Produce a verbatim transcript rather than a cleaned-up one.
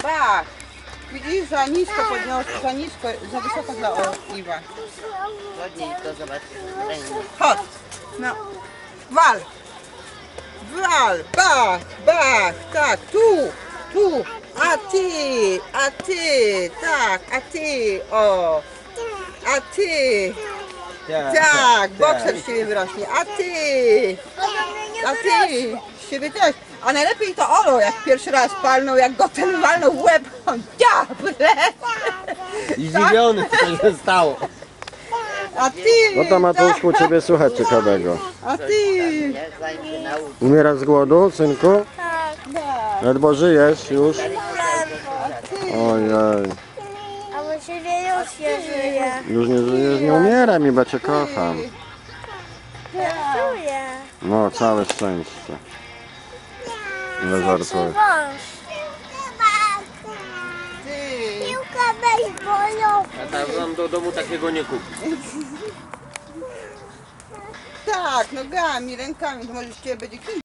bach. Widzisz, za nisko podniosę, za nisko, za wysoko dla Iwa. Ładniej to zobaczysz. Chodź, no, wal. Wal, bach, bach, tak, tu, tu. A ty, a ty, tak, a ty, o. A ty, tak, bokser z ciebie wyrośnie. A ty, a ty, z ciebie też. A najlepiej to Olo, jak pierwszy raz palnął, jak go ten walnął w łeb. On diable. I zdziwiony, co się stało. A ty, No to Matuszku, tak. ciebie słuchać ciekawego. A ty, Umierasz z głodu, synku? tak. Ledwo żyjesz już? Ojej. A właściwie już nie żyje. Już nie żyjesz, nie umieraj mi, bo cię kocham. Czuję. No, całe szczęście. Nie żartuję. Wąż. Ty. Piłka bejsbolowa. A tam wam do domu takiego nie kupi. Tak, nogami, rękami, to może z ciebie będzie